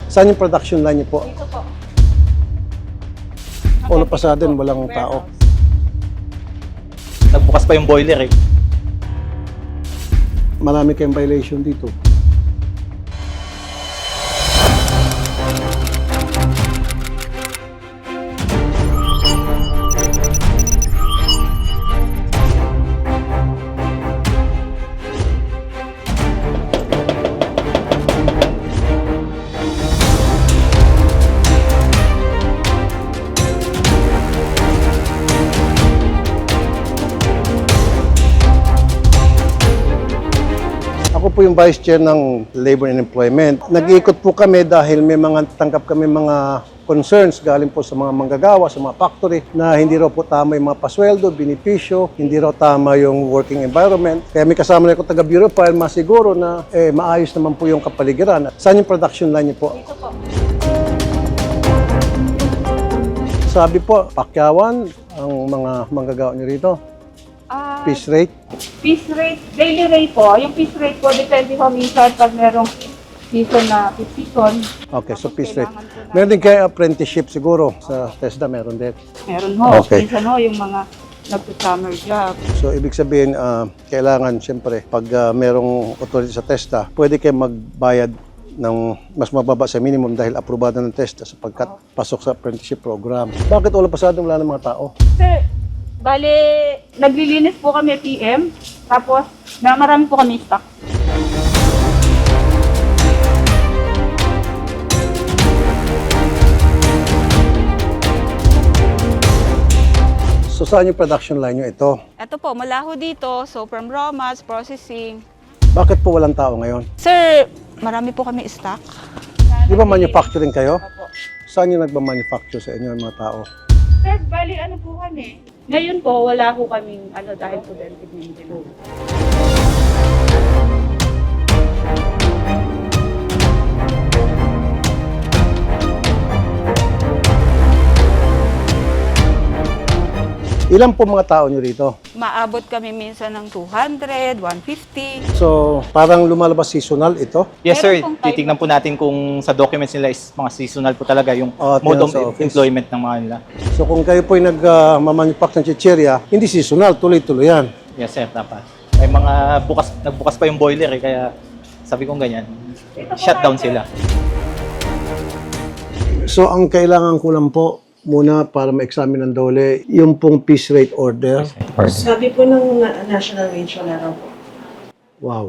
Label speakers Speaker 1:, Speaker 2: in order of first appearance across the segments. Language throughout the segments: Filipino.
Speaker 1: Saan yung production line niyo po?
Speaker 2: Dito po.
Speaker 1: All of a sudden, walang tao.
Speaker 3: Nagbukas pa yung boiler eh.
Speaker 1: Marami kayong violation dito. Ako po yung Vice Chair ng Labor and Employment. Nag-iikot po kami dahil may mga tanggap kami mga concerns galing po sa mga manggagawa, sa mga factory na hindi raw po tama yung mga pasweldo, benepisyo, hindi raw tama yung working environment. Kaya may kasama na ako taga Bureau File, masiguro na maayos naman po yung kapaligiran. Saan yung production line niyo po?
Speaker 2: Dito po.
Speaker 1: Sabi po, pakyawan ang mga manggagawa niyo rito. Piece rate.
Speaker 2: Piece rate, daily rate po. Yung piece rate po, depende po minsan pag merong season na season.
Speaker 1: Okay, so
Speaker 2: Tapos
Speaker 1: piece rate.
Speaker 2: kailangan po na-
Speaker 1: Meron din kayo apprenticeship siguro sa TESDA, meron din.
Speaker 2: Meron ho.
Speaker 1: Okay.
Speaker 2: Minsan ho, yung mga nagsa-summer job.
Speaker 1: So, ibig sabihin, kailangan, siyempre, pag merong authority sa TESDA, pwede kayo magbayad ng mas mababa sa minimum dahil aprobado ng TESDA sapagkat pasok sa apprenticeship program. Bakit all of a sudden wala ng mga tao?
Speaker 2: Sir, bale, naglilinis po kami PM, tapos na marami po kami stock.
Speaker 1: So, saan yung production line nyo ito?
Speaker 4: Ito po, mula ho dito, so from raw mats, processing.
Speaker 1: Bakit po walang tao ngayon?
Speaker 4: Sir, marami po kami stock.
Speaker 1: Di ba manufacturing kayo?
Speaker 2: Opo.
Speaker 1: Saan yung nagmamanufacture sa inyo yung mga tao?
Speaker 2: Sir, bali ano po kami? Ngayon po, wala po kaming dahil preventive maintenance.
Speaker 1: Ilan po mga tao nyo rito?
Speaker 4: Maabot kami minsan ng 200, 150.
Speaker 1: So, parang lumalabas seasonal ito?
Speaker 3: Yes sir,
Speaker 4: Meron pong time.
Speaker 3: titignan po natin kung sa documents nila is mga seasonal po talaga yung
Speaker 1: Oh,
Speaker 3: mode of
Speaker 1: sa office.
Speaker 3: employment ng mga nila.
Speaker 1: So, kung kayo po yung nag-manufacture ng chicheria, hindi seasonal, tuloy-tuloy yan.
Speaker 3: Yes sir, dapat. May mga nagbukas pa yung boiler eh, kaya sabi kong ganyan, shutdown sila.
Speaker 1: So, ang kailangan ko lang po muna para ma-examine ng dole, yung pong piece rate order.
Speaker 5: Sabi po ng national wage wala raw po.
Speaker 1: Wow.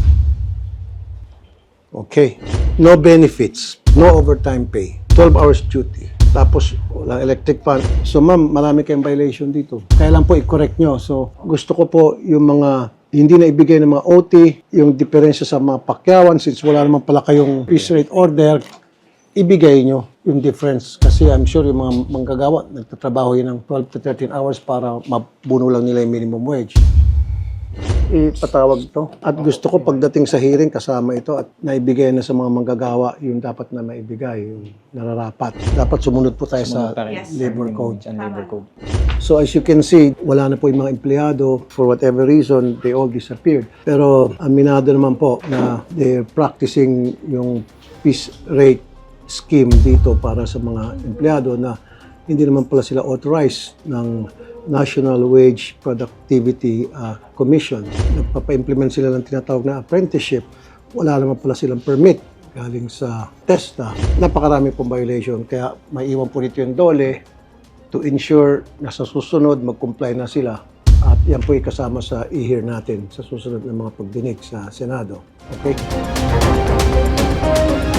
Speaker 1: Okay. No benefits, no overtime pay, 12 hours duty. Tapos, walang electric fan. So, ma'am, marami kayong violation dito. Kailan po i-correct nyo. So, gusto ko po yung mga hindi na ibigay ng mga OT, yung diferensya sa mga pakyawan, since wala naman pala kayong piece rate order, ibigay nyo yung difference. Kasi I'm sure yung mga manggagawa, nagtatrabaho yun ng 12 to 13 hours para mabuno lang nila yung minimum wage. Ipatawag to. At gusto ko pagdating sa hearing, kasama ito at naibigay na sa mga manggagawa yung dapat na maibigay, yung nararapat. Dapat sumunod po tayo sa
Speaker 3: Sumunod pa rin.
Speaker 1: labor code.
Speaker 3: And labor code.
Speaker 1: So as you can see, wala na po yung mga empleyado. For whatever reason, they all disappeared. Pero aminado naman po na they're practicing yung piece rate scheme dito para sa mga empleyado na hindi naman pala sila authorized ng National Wage Productivity Commission. Nagpapa-implement sila ng tinatawag na apprenticeship. Wala naman pala silang permit galing sa TESDA. Napakarami pong violation. Kaya maiwan po nito yung dole to ensure na sa susunod mag-comply na sila. At yan po ikasama sa i-hear natin sa susunod na mga pagdinig sa Senado. Okay?